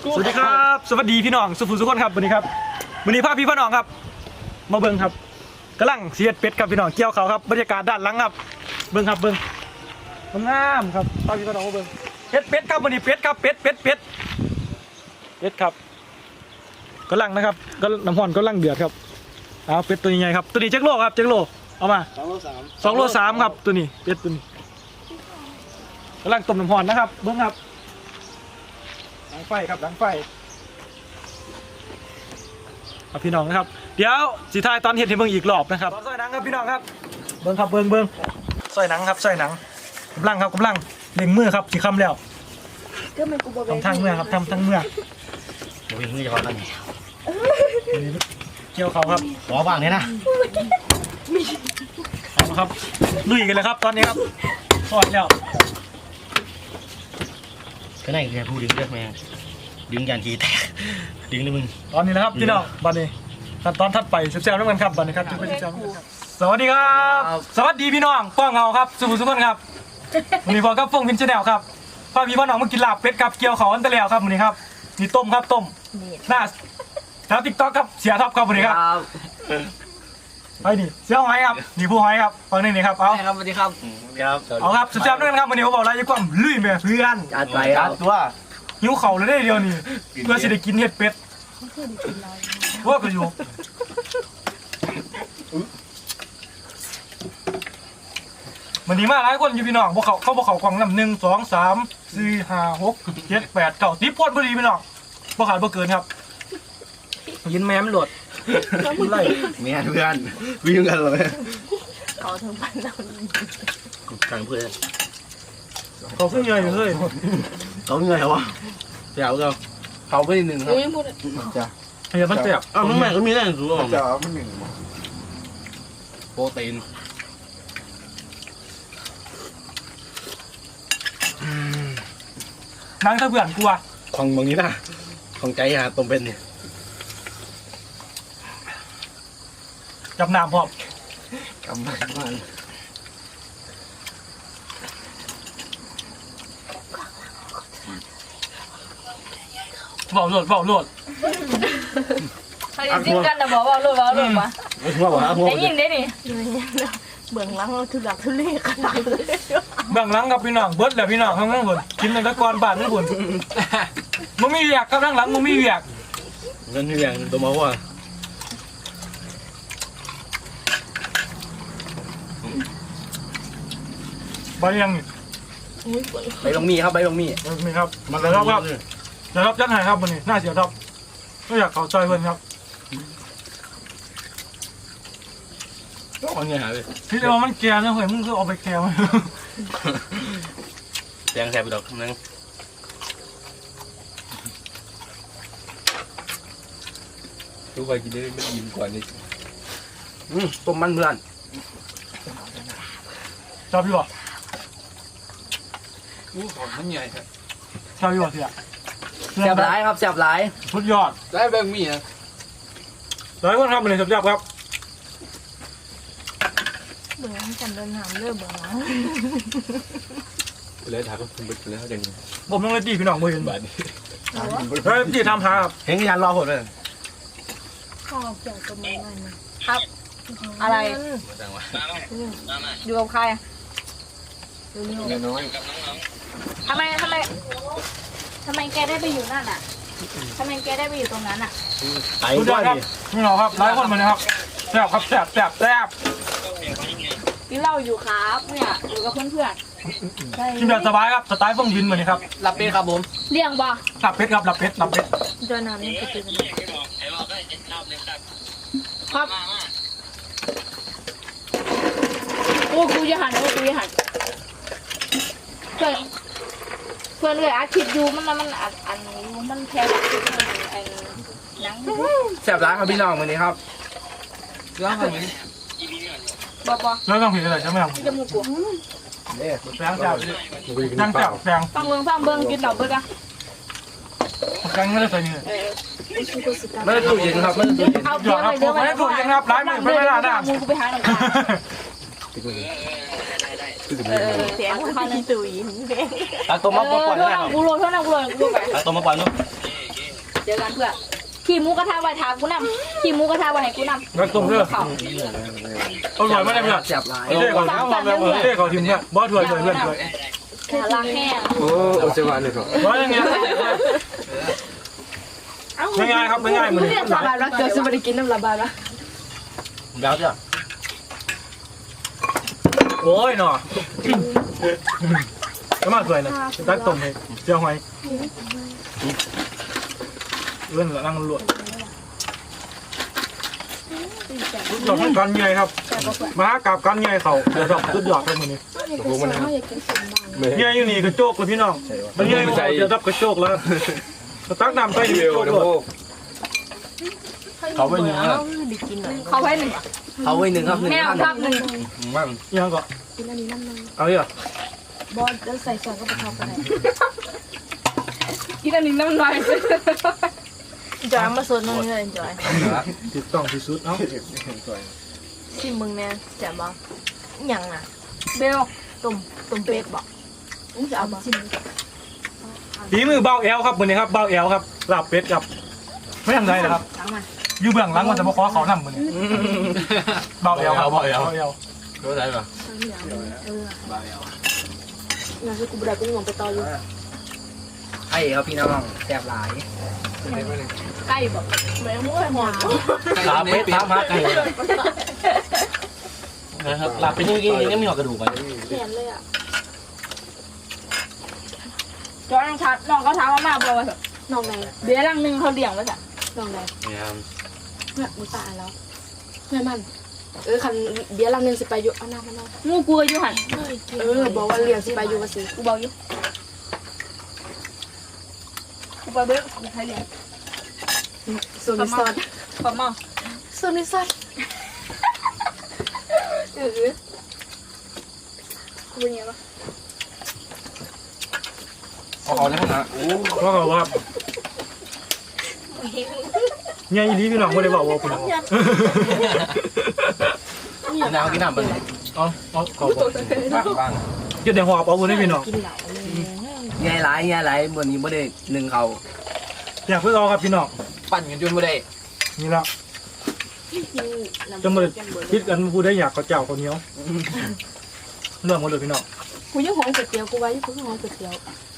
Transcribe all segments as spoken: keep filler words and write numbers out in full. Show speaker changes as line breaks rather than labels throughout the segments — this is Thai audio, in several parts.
สวัสดีครับสวัสดีพี่น้องสุภูสุขคนครับวันนี้ครับวันนี้พาพี่พี่น้องครับมาเบิ้งครับกำลังเสียดเป็ดครับพี่น้องเกี่ยวเขาครับบรรยากาศด้านหลังครับเบิ้งครับเบิ้งงามครับพาพี่พี่น้องมาเบิ้งเป็ดเป็ดครับวันนี้เป็ดครับเป็ดเป็ดเป็ดเป็ดครับกำลังนะครับก็น้ำห่อนกำลังเดือดครับเอาเป็ดตัวใหญ่ครับตัวนี้เจ็กโลครับเจ็กโลเอามาสองโลสามสองโลสามครับตัวนี้เป็ดตัวนี้กำลังต้มน้ำห่อนนะครับเบิ้งครับดังไฟครับดังไฟเอาพี่น้องนะครับเดี๋ยวสีทายตอนเห็นที่เบิ่งอีกรอบนะครับซอยหนังครับพี่น้องครับเบิ่งครับเบิ่งเบิ่งซอยหนังครับซอยหนังกำลังครับกำลังเล็งมือครับสีคำแล้วทำทางเมื่อครับทำทางเมื่อวิ่งมือจะพอตั้งเกี่ยวเขาครับขอบ้างเนี่ยนะเอาครับลุยกันเลยครับตอนนี้ครับทอดแล้ว
ก็ไหนแกพูดดึงเลือดแมงดึงยันทีแตกดึงเลยมึง
ตอนนี้นะครับพี่น้องบัดนี้ขั้นตอนถัดไปเซลล์น้ำมันครับบัดนี้ครับจะไปเซลล์สวัสดีครับสวัสดีพี่น้องป้องเงาครับสุภุสุขคนครับวันนี้พอกับฟงพินชแนลครับพาพี่พ่อน้องมากินลาบเป็ดครับเกี่ยวเขาอันตะแล้วครับวันนี้ครับนี่ต้มครับต้มหน้าแล้วติ๊กต๊อกครับเสียท็อปครับวันนี้ครับไปนี่เสียหอยครับนี่ผู้หอยครับฟังนี่นี่ครับเอา
ครับสวัสดีครับครับ
เอาครับเซลล์ด้วยครับวันนี้ผมบอกอะไรยิ่งกว่าลุยแม่เพื่อน
จัดไปครับตัว
หิวเข่าเลยได้เดียวนี่เพื่อสิได้กินเห็ดเป็ดว่าก็อยู่วันนี้มาหลายคนอยู่พี่น้องพวกเขาเข้าพวกเขากล่องลำหนึ่งสองสามสี่ห้าหกเจ็ดแปดเก้าสิบพอดพอดีพี่น้องพวกขาดพวกเกินครับยินแม่มันหลดไล่
เมียเพื่อนวิ่งกันเลย
เขาทั้งพันเรา
กลางเพื่อน
เขาขึ้นเงยอยู่เลย
เขาเงยวะเดี๋ยวเราเขาไปหนึ่งครับ
จ้ะเฮียมันเจ็บ
อ้าวน้องแม่ก็มีแรงสูง
จ้ะมันหนึ่ง
โปรตีน
นั่งถ้าเบื่อกูอะ
ของบางนี้นะของใจฮะตรงเป็นเนี่ย
จับน้ำพร้อม
กำมันมัน
เบาโหลดเบาโหลด
เขาจะจิ้มกันนะบอกว่ารู้ว่ารู้ปะ
ว่าว่า
ได้ยินได้ดิเบื้องหลังเราทุลักทุเลขนาดเลย
เบื้องหลังกับพี่น้องเบิร์ดแหละพี่น้องข้างล่างบนกินในตะกอนบ้านนั่นบนมึงมีเวียกกับข้างหลังมึงมีเวียก
เงินเวียงตัวมาว่า
ใบยังนี่
ใบบางมีครับใบบางมี
มีครับมาแล้วครับเดี๋ยวรับยัดหายครับวันนี้น่าเสียท็อปไม่อยากเขาใจเพื่อนครับ
ก็เอาเงี้ยหาเลย
พี่เดี๋ยวมันแก่นะเฮ้ยมึงก็เอาไปแก่มา
แดงแสบไปดอกนึง
ทุกไปกินได้ไม่ยิ้มกว่านี้
อืมต้มมันเพื่อน
ชอบพี่บอก
อู้ของมันใหญ่ครับ
ชอบพี่บอกเสีย
แสบหลายครับแสบหลาย
สุดยอด
ได้แบงมีนะ
หลายคนทำอะไรสุดยอดครับ
เบื้องหลังกันเดินหามเริ่มเบื้องหลัง
เลยถามว่าคุณไปแล้วยัง
ผมต้องเลยตีพี่น้องมือเห็นแบบนี้เฮ้ยตีทำหาครับ
เห็นยันรอผลเลย
ข้าวเกี่ยวกับมือมันครับอะไรอยู่กับใครอยู่นี่น้อยทำไมทำไมทำไมแกได้ไปอยู่นั่นอ่ะทำไมแกได้ไปอยู่ตรงนั้นอ่ะ
สุดยอดครับพี่น้องครับหลายคนมานะครับแซ่บครับแซ่บแซ่บแซ่บ
กินเหล้าอยู่ครับเนี่ยอยู่กับเพื่อนเพื่อน
กินแบบสบายครับสไตล์ฟงยินเหมือนนี้ครับ
หลับเป็ดครับผม
เลี้ยงบ่
หลับเป็ดครับหลับเป็ดหลับเป็ด
เดินน้ำนี่ก็คือครับโอ้กูจะหันโอ้กูจะหันเพื่อนเพื่อนเลยอาทิตย์อยู่มันมันอันอันมันแพ้ไอ้หนัง
แสบร้านครับพี่น้องวันนี้ครับเรื่องอะไร
บ่บ่
แล้วต้องผิดอะไรใช่ไหมครับ
จมูกกู
เนี่ยแฟงจับนั่งจับแฟง
ฟังเบิ้งฟังเบิ้งกินเหล้าเบิ้งอะ
แฟงไม่ได้ใส่เนื้อ
ไม่ได้ตู้เย็นครับไม่ได้ตู้เย็น
เอาเพื่อนไปเดี๋ยว
ไม่ได้ตู้เย็นครับร้ายมือไม่ได้ด่า
มึงกูไปหาหน่อยเสียงพันตู้เย็น
ตักตัวมาปล่อย
เท่านั้นกูโรยเท่านั้นกูโรยกูไป
ตักตัวมาปล่อยนู้น
เจอกันเพื่อนขี่หมูกระทะไว้ทากูนำขี่หมูกระทะไว้ให้กูนำ
รักต้มเด้อ
เขา
อร่อยมากเลยเพื่อน
จับลาย
เท่เขาเอามาแบบเท่เขาทีมเนี่ยบอสถวยถวยเพื่อนถวย
ขาล้างแห้ง
โอ้โอเซวานเลยครับ
บอสยังไงง่ายๆครับง่ายๆเหมือน
เรียกสบายรักเกิดสบายกินน้ำระบายละ
แล้วจ้ะ
โอ้ยหน่อก็มาสวยนะตักต้มให้เจียวหอยเลื่อนละนั่งลวดจบกันใหญ่ครับมากับกันใหญ่เขาเดี๋ยวจบสุดยอดเลยมือนี้
โอ้มันนะ
ใหญ่อยู่นี่กระโจกเลยพี่น้องมันใหญ่เดี๋ยวรับกระโจกแล้วตักน้ำใส่
เบ
เร็
ล
ว
นะพวก
เขาไว้หนึ่งครับ
เขาไว้หนึ่ง
เขาไว้หนึ่งครับหนึ่ง
แมว
พัน
ครับหนึ่ง
มั่ง
ยังก็เอาดิอ่ะ
บอลจะใส่ซอสก็ไปทอดกันเลยกินอันนี้น้ำลาย
จอยมาสดน้องเลยจอย
ติดต้องที่สุดเนาะ
ชิมมึงแน่แจ่มบ้างยังอ่ะ
เบล
ต้มต้มเป็ดบอก
มึงจะเอาบ้าง
ฝีมือเบาแอลครับมือนี้ครับเบาแอลครับลาบเป็ดครับไม่ทำไรนะครับ
ทั้งมัน
อยู่เบื้องหลังมันจะมาขอเขานำมือนี้เบาแอลครับเบาแอล
รู้ได้ปะ
งานที่กูบได้กูงงไปต่ออยู่
ไอ้ครับพี่น้องแซ่บหลาย
ใกล้บอก
แม่ม้วยหอน
ลาเป็ดลามาไก่นะครับลาเป็ดนี่กินยังไม่หอกระดูกไป
แขนเลยอ่ะ
จอยน้องทัดน้องเขาถามว่ามาบอกว่า
น้องไหน
เดี๋ยวรังหนึ่งเขาเลี้ยงไว้จ้ะ
น้องไหน
เนี่ย
เนี่ยมึงตายแล้วเพื่อนมันเออคันเบียร์ลังนึงสิไปอยู่เอาน้ำมาน้อง
งูกลัวอยู่หัน
เออบอกว่าเรียนสิไปอยู่ภาษี
กูบอกอยู่กูไปเบิ้งกูใช้เลี้ยง
ส่วนนิสซอด
ขอมอง
ส่วนนิสซอดเออ
กูเป็นไงวะ
เอาเอาแล้วนะโอ้
เพราะเขาว่าเนี่ยอีลีพี่น้องไม่ได้บอกว่าคุณ
กินน้ำกินน้ำไป
เอาเอาเขาบอก
บ้างบ้าง
เดี๋ยวหอบเอาคนให้พี่น้อง
กินเหล้าเลย
ไงหลายไงหลายบนนี้ไม่ได้หนึ่งเขา
อยากเพื่อเอาครับพี่น้อง
ปั่นกันจนไม่ได้
นี่ละจะมาคิดกันพูดได้อยากเขาเจ้าคนเหนียวเรื่องหมดเลยพี่น้อง
กูยังหอมก๋วยเตี๋ยวกูไว้กูยังหอมก๋วยเตี๋ยว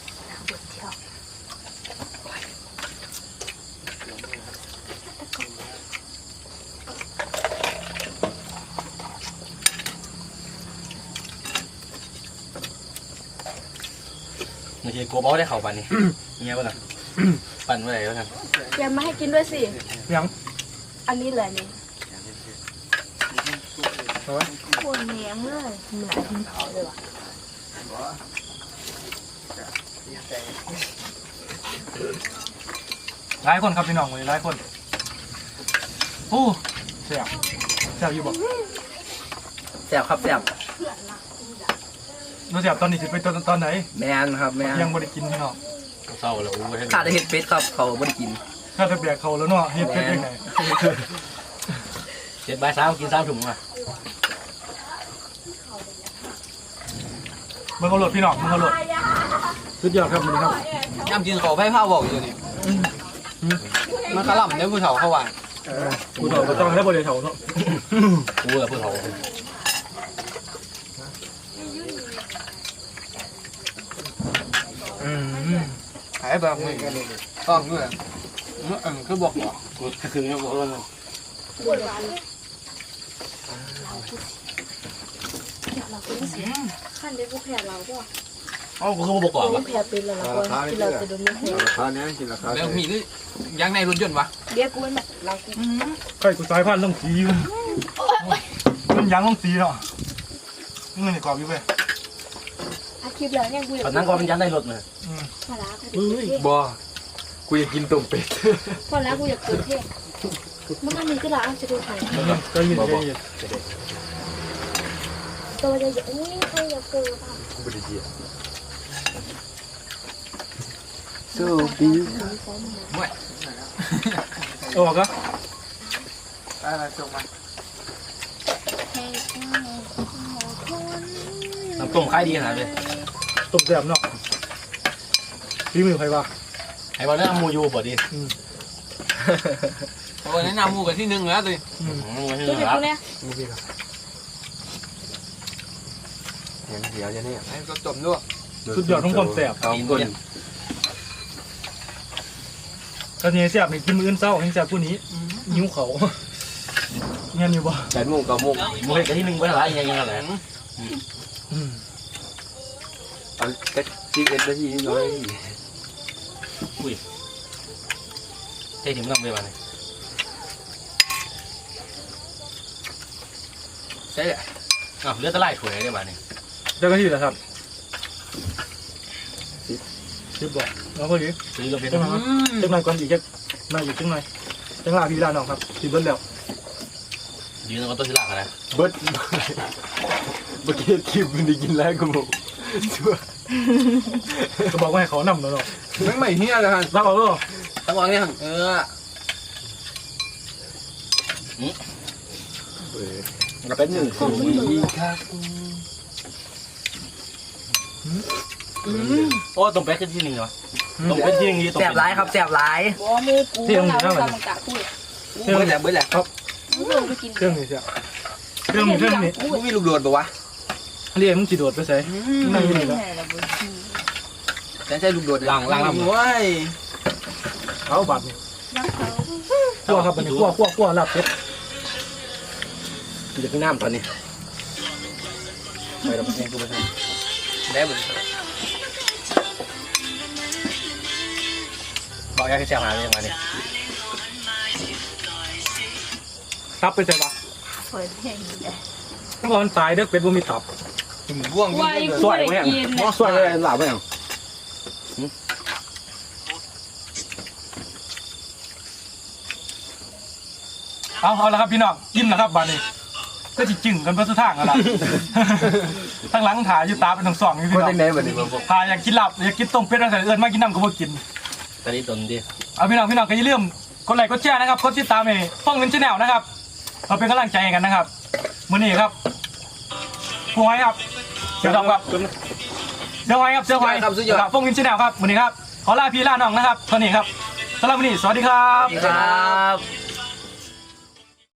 ไม่ใช่กลัวบอได้เข่าปั่นนี่เงี้ยป่ะล่ะปั่นเมื่อไหร่แล้วกัน
แกมาให้กินด้วยสิ
ยัง
อันนี้แหละนี่
เอาไว้
โคนแหนมเลยเหมือนกินเผาเลยว่ะ
หลายคนครับพี่น้องเลยหลายคนโอ้เสียบเสียบอยู่บอก
แซ่บครับแซ่บ
เราเสียบตอนนี้สิไปตอนตอนไหน
แมนครับแมน
ยังไม่ได้กินพี่น้อง
เศร้าแล้วโอ้ยขาดเห็ดเป็ดครับเขาไม่ได้กิน
ถ้าจะแบกเขาแล้วเนาะเฮ็ดเป็นยังไง
เจ็ดใบสามกินสามถุงอ่ะ
มึงเอาโหลดพี่น้องมึงเอาโหลดสุดยอดครับมึงครับ
ย่ำกินเขาไพ่ผ้าบอกอยู่นี่มันขลับเนี่ยผู้เฒ่าเขาว่า
กูต่อก็ต้องได้บริเวณเขาเนาะ
กูกับเพื่อนเขา
อืม
หายแบบนี้ต้องด้วยเออคือบอกว่า
กูคือเนี่ยบอกว่า
ขั้นได้กูแพ้เราก็
อ๋อกูคือบอกก่อน
กู
วะ
แพ้เป็นแล้วเรากินเราจะโดนไม่หัว
ราคาเนี้ยกินราคาแล้วมีนี่ยังในรถยนต์วะ
เดี๋ยวกูเป็นแบบเรากู
ใครกูสายพันธุ์ต้องสีมันมันยังต้องสีเนาะเงินในกรอบอยู่เว้ย
อาคลิปแล้วเนี่ยกูอยาก
ตอนนั้นก็เป็นยันได้รถเลย
พอแล้ว
เฮ้ย
บอกูอยากกินต้มเป็ด
พอแล้วกูอยากเกิดเทพ
มันอันนี้ก็ละจะดูไข่
มันยังใจเย็นใจเย็น
ตัวจะเยอะอุ้ยใครอยากเกิดอ่ะ
กูไม่ได้เจียสู้ปี
ออกก็
อะไรส่งมา
น้ำต้มขายดีขนาดเลย
ต้มแซ่บเนาะฝีมือใครวะ
ไอ้บอลนั่นมูยูพอดี
โอ้ยแนะนำหมูกันที่หนึ่งแล้วดิ
อืม
ตัวเด็กตัวเนี้ย
เดี๋ยวจะเนี่ยให้ก็จมด้วย
สุดยอดของความแซ่บ
เอาคน
ตอนนี้แซ่บนี่กินมื้ออื่นเช้าให้แซ่บผู้นี้หิวเขาเงี้ยอยู่บ่
แปดโมงเก้าโมง
มวยกันที่หนึ่งไม่ละยังยังอะไร
อืม
เอาแค่สิบเอ็ดนาทีน้อย
ใช่ถึงต้องไปวันนี้
ใช่แหละ
อ้าวเลือดตะไลถวยได้บ้านี่
เจ้าหน้าที่เหรอครับสิบบ่เอาพอดี
ซื้อเราเป็น
จังหวะจังหน่อยก่อนอีกจักหน่อยอีกจังหน่อยจังหวะพี่ลาน้องครับสิเบิ้ลแล้ว
ยืนตรงต้นศิลากันนะ
เบิร์ดเมื่อกี้คิวมันได้กินแล้วกูบอกชัว
ก็บอกว่าให้เขานำเนาะ
ไม่ไม่เฮียเลยฮะ
รับเอาเด้อ
ตั้งวางเนี่ยเออเราเป็นหนึ่งคนดีครับ
โอ้ตรงแป๊กที่หนึ่งเหรอตรงเป็นที่หนึ่งดีตรง
แสบร้ายครับแสบร้าย
บอกว่ามูกูมันเอาไปทำมันกะพูด
เบิร์ดแหละเบิร์ดแหละครับ
มึงเอาไปกิน
เครื่องนี้เสียเครื่องนี้เครื่องนี้
มึงมีลูกโดดปะวะ
เรียกมึงจีโดดไปใส่นั่งอยู่นี่แล้ว
แต่ใช่ลูกโดดหลังหลังลำว้ย
เอาบัตรนี่ขั้วครับบัตรนี่ขั้วขั้วขั้วลาบเป็ด
กูจะขึ้นน้ำตอนนี้ไปแล้วเองกูไปทำได้บุญ
บอกยาที่แซ่บหาเรื่องมาเนี่ย
ตับไปใส่ปะ
เปิดเพลงอยู่เลย
ต้องรอนตายเด้อเป็ดบ่มีตับ
ถึงบ่วง
ว่าไอ้กูได้กินเนี่ย
สวยเลยหลับไหมอ่ะ
เอาเอาละครับพี่น้องยิ้มแล้วครับบัตรนี่ก็จิจึงกันเพื่อสุดทางกันละทั้งหลังถ่ายอยู่ตาเป็นทั้งสองอยู่พี่
คน
น้อ
ได้
ง
ไหนแบบนี้
ถ่ายอยากกินหลับอยากกินต้มเป็ดตั้งแต่เอิญมากินน้ำก็บ่กิน
ตอนนี้ตนดิ
เอาพี่น้องพี่น้องก็อย่าลืมกดไลค์กดแชร์นะครับกดติดตามให้ฟ้องเงินชาแนลนะครับเราเป็นกำลังใจให้กันนะครับมื้อนี้ครับผู้ให้ครับเสือดำครับเสือไว้ครับเสือไว้ครับฟ้องเงินชาแนลครับมื้อนี้ครับขอลาพี่ลาน้องนะครับตอนนี้ครับสำหรับมื้อนี้สวัสดีครับ
ครับ